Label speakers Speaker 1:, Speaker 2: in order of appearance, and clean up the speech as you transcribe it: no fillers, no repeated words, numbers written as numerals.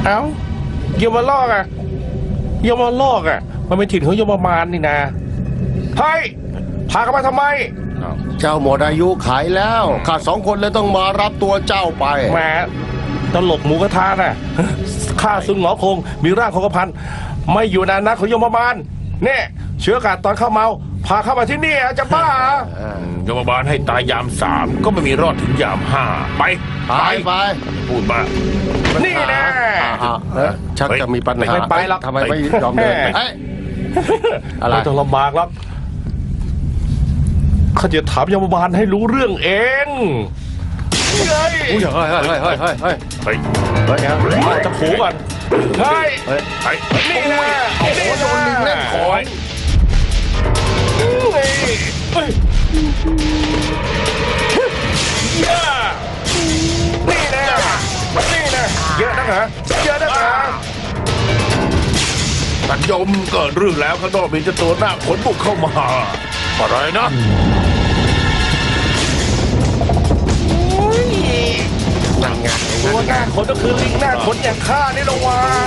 Speaker 1: เอ้ายมลอกอ่ะยมลอกอ่ะมันเป็นถิ่นของยมมารนี่นะเฮ้ยพากันมาทำไม
Speaker 2: เจ้าหมดอายุขายแล้วข้า2 คนเลยต้องมารับตัวเจ้าไป
Speaker 1: แหมตลกหมูกระทะน่ะข้าซุนหงอคงมีร่างของกระพันไม่อยู่ในนักของยมบาลเนี่ยเชื้ออากาศตอนเข้าเมาพาเข้ามาที่นี่จะบ้าเหรอยมบาลให้ตายยาม 3ก็ไม่มีรอดถึงยาม 5ไป
Speaker 2: ไป
Speaker 1: พูดมานี่นะ
Speaker 2: ชักจะมีปัญหา
Speaker 1: ไม่ไปหรอก
Speaker 2: ทำไมไม่ยอมเดินเฮ้ย อะไร
Speaker 1: ไม่ต้องลำบากหรอกข้าจะถามยมบาลให้รู้เรื่องเองเฮ้ย
Speaker 2: อุ้ยเฮ้ย
Speaker 1: เอาจะผูก่อนเฮ้ยนี่นะ
Speaker 2: โอ้โหโดนลิงเล่นของ
Speaker 1: นี่นะเยอะนักเหรอเยอะนักเหรอท่านยมเกิดเรื่องแล้วข้างนอกมีเจ้าตัวหน้าขนบุกเข้ามาอะไรนะตัวหน้าขนก็คือลิงหน้าขนอย่างข้านี่ละวะ